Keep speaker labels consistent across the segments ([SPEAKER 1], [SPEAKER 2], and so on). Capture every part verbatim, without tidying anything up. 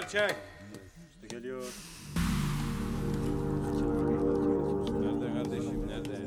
[SPEAKER 1] çek. İşte geliyor. Nerede kardeşim, nerede?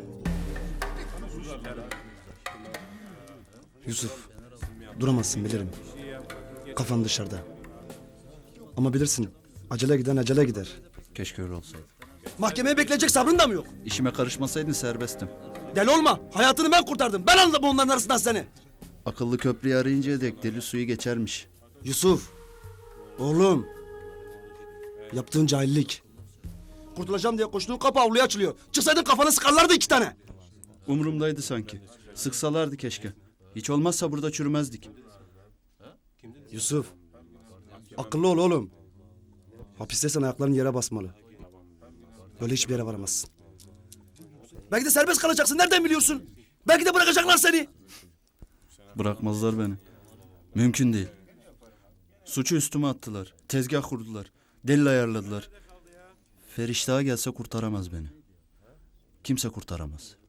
[SPEAKER 2] Yusuf, duramazsın bilirim. Kafan dışarıda. Ama bilirsin, acele giden acele gider.
[SPEAKER 3] Keşke öyle olsaydı.
[SPEAKER 2] Mahkemeye bekleyecek sabrın da mı yok?
[SPEAKER 3] İşime karışmasaydın serbestim.
[SPEAKER 2] Deli olma, hayatını ben kurtardım. Ben anladım onların arasından seni.
[SPEAKER 3] Akıllı köprüyü arayıncaya dek deli suyu geçermiş.
[SPEAKER 2] Yusuf, oğlum. Yaptığın cahillik. Kurtulacağım diye koştuğun kapı avluya açılıyor. Çıksaydın kafanı sıkarlardı iki tane.
[SPEAKER 3] Umurumdaydı sanki. Sıksalardı keşke. Hiç olmazsa burada çürümezdik.
[SPEAKER 2] Yusuf, akıllı ol oğlum. Hapisteysen ayakların yere basmalı. Böyle hiçbir yere varamazsın. Belki de serbest kalacaksın, nereden biliyorsun? Belki de bırakacaklar seni.
[SPEAKER 3] Bırakmazlar beni. Mümkün değil. Suçu üstüme attılar. Tezgah kurdular. Delil ayarladılar. Feriştah'a gelse kurtaramaz beni. Kimse kurtaramaz.